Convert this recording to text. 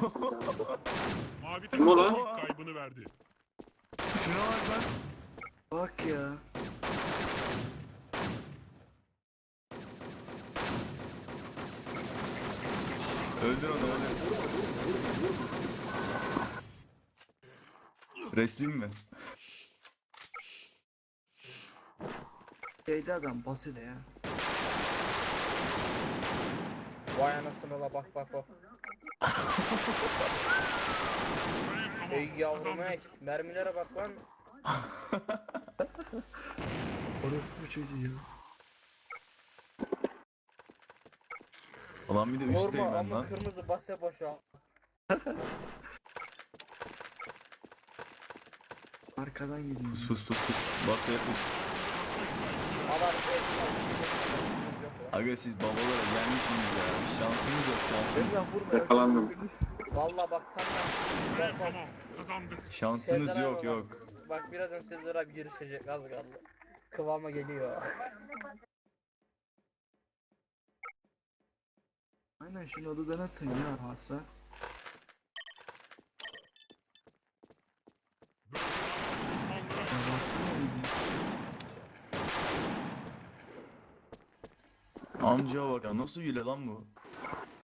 Mavi Kim o lan? takım ilk kaybını verdi. Şuna bak lan. Bak ya. Öldür onu öldür. Resleyeyim mi? Şeyde adam basit ya. Vay anasını la bak bak bak. Hayır, tamam. Ey yavrum Kazandık. ey. Mermilere bak lan. Orası bu çocuğu ya. Ulan bir de üstteyim Vurma ben ama lan. kırmızı base boşa. Arkadan gidiyor. Pus pus pus pus. Basaya pus. Alar. Aga siz babalara gelmişsiniz ya. Şansınız yok şansınız. Sen vurma. Yakalandım. Valla bak tam Hayır, bak bak. tamam. Kazandık. Şansınız Sezer yok abi yok. Bak birazdan Sezer abi girişecek az kaldı. Kıvama geliyor. Aynen şunu odadan atın ya varsa. Düşmanlara Ya baksana öyle. Amca bak ya nasıl hile lan bu?